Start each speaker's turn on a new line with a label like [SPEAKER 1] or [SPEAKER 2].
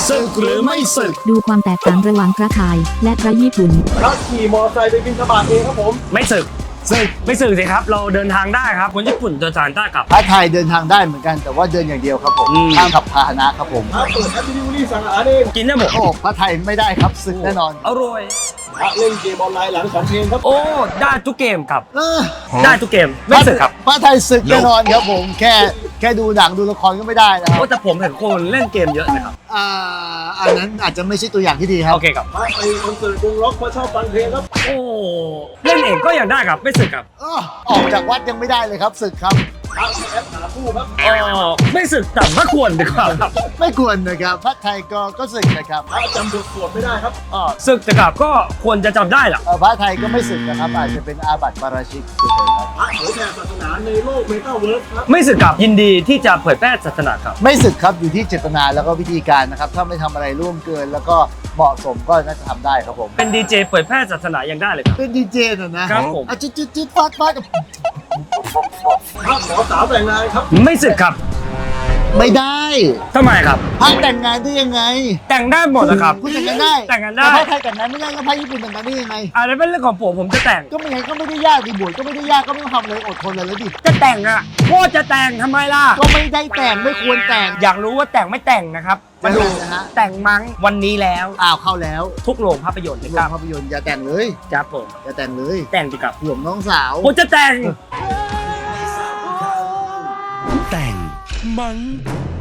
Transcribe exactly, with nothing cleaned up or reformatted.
[SPEAKER 1] ศึกหรือไม่ศึก
[SPEAKER 2] ดูความแตกต่างระหว่างพระไทยและพระญี่ปุ่น
[SPEAKER 3] พระขี่มอเตอร์ไซค์ไปบิณฑบาตเองครับผม
[SPEAKER 1] ไม่ศึกศึกไม่ศึกสิครับเราเดินทางได้ครับคนญี่ปุ่นเดินทางได้ครับ
[SPEAKER 4] พระไทยเดินทางได้เหมือนกันแต่ว่าเดินอย่างเดียวครับผมห้ามขับพาหนะครับผม
[SPEAKER 3] พระเปิดแอป Delivery สั่งอาหารเอง
[SPEAKER 1] กินได้หมด
[SPEAKER 4] โอ้พระไทยไม่ได้ครับศึกแน่นอน
[SPEAKER 1] อร่อย
[SPEAKER 3] พระเล่นเกมออนไลน์หลังสองเพลงครับ
[SPEAKER 1] โอ้ได้ทุกเกมครับได้ทุกเกมไม่ศึกครับ
[SPEAKER 4] พระไทยศึกแน่นอนครับผมแค่แค่ดูหนังดูละครก็ไม่ได้นะครับ
[SPEAKER 1] แต่ผมเห็นคนเล่นเกมเยอะนะครับ
[SPEAKER 4] อ่าอันนั้นอาจจะไม่ใช่ตัวอย่างที่ดีครับ
[SPEAKER 1] โอเคครับ
[SPEAKER 3] พระไปคอนเสิร์ตวงล็อกเพราะชอบฟังเพลงครับ
[SPEAKER 1] โอ้เล่นเองก็ยังได้ครับไม่ศึกครับ
[SPEAKER 4] ออกจากวัดยังไม่ได้เลยครับศึกครับ
[SPEAKER 3] พระแอปหาคู่ครับ
[SPEAKER 1] อ๋อไม่ศึกแต่ไม่ควรดีกว่าครับ
[SPEAKER 4] ไม่ควรนะครับพระไทยก็ก็ศึกนะครับ
[SPEAKER 3] พระจำบทสวดไม่ได้ครับ
[SPEAKER 1] อ๋อศึกแต่กับก็ควรจะจำได้แหละ
[SPEAKER 4] พระไทยก็ไม่ศึกนะครับอาจจะเป็นอาบัติปาราชิกเฉยๆครับ
[SPEAKER 3] พระเผยแผ่ศาสนาในโลกเมตาเวิร์สครับ
[SPEAKER 1] ไม่ศึกกับยินดีที่จะเผยแพร่ศาสนาครับ
[SPEAKER 4] ไม่ศึกครับอยู่ที่เจตนาแล้วก็วิธีการนะครับถ้าไม่ทำอะไรร่วมเกินแล้วก็เหมาะสมก็น่าจะทำได้ครับผม
[SPEAKER 1] เป็นดีเจเผยแพร่ศาสนายังได้เลยครับ
[SPEAKER 4] เป็นดีเจนะนะครับ
[SPEAKER 1] ผม
[SPEAKER 4] จุดจุดจุดฟาดฟาดกับ
[SPEAKER 3] พระขอสาวแต่งงานครับ
[SPEAKER 1] ไม่ศึกครับ
[SPEAKER 4] ไม่ได้
[SPEAKER 1] ทำไมครับ
[SPEAKER 4] พระแต่งงานได้ยังไง
[SPEAKER 1] แต่งได้หมดนะครับ
[SPEAKER 4] คุณแต่งงานได้
[SPEAKER 1] แต่งงานได้
[SPEAKER 4] พระไทยแต่งงานไม่ได้ก็พระญี่ปุ่นแต่งงานได้ยังไง
[SPEAKER 1] อะไรเป็นเรื่องของผมผมจะแต่ง
[SPEAKER 4] ก็ไม่ไงก็ไม่ได้ยากดิบวชก็ไม่ได้ยากก็ไม่ต้องทำเลยอดทนเลยแล้วดิ
[SPEAKER 1] จะแต่งอ่ะโคตรจะแต่งทำไมล่ะ
[SPEAKER 4] ก็ไม่ได้แต่งไม่ควรแต่ง
[SPEAKER 1] อยากรู้ว่าแต่งไม่แต่งนะครับมาดู
[SPEAKER 4] นะฮะ
[SPEAKER 1] แต่งมั้งวันนี้แล้ว
[SPEAKER 4] อ้าวเข้าแล้ว
[SPEAKER 1] ทุกโรงภาพยนตร์
[SPEAKER 4] โร
[SPEAKER 1] ง
[SPEAKER 4] ภาพยนตร์อย่าแต่งเลย
[SPEAKER 1] จ้าผม
[SPEAKER 4] อย่าแต่งเลย
[SPEAKER 1] แต่งดีกับ
[SPEAKER 4] ห่วงน้องสาว
[SPEAKER 1] ผมจะแต่ง
[SPEAKER 5] แต่งมั้ง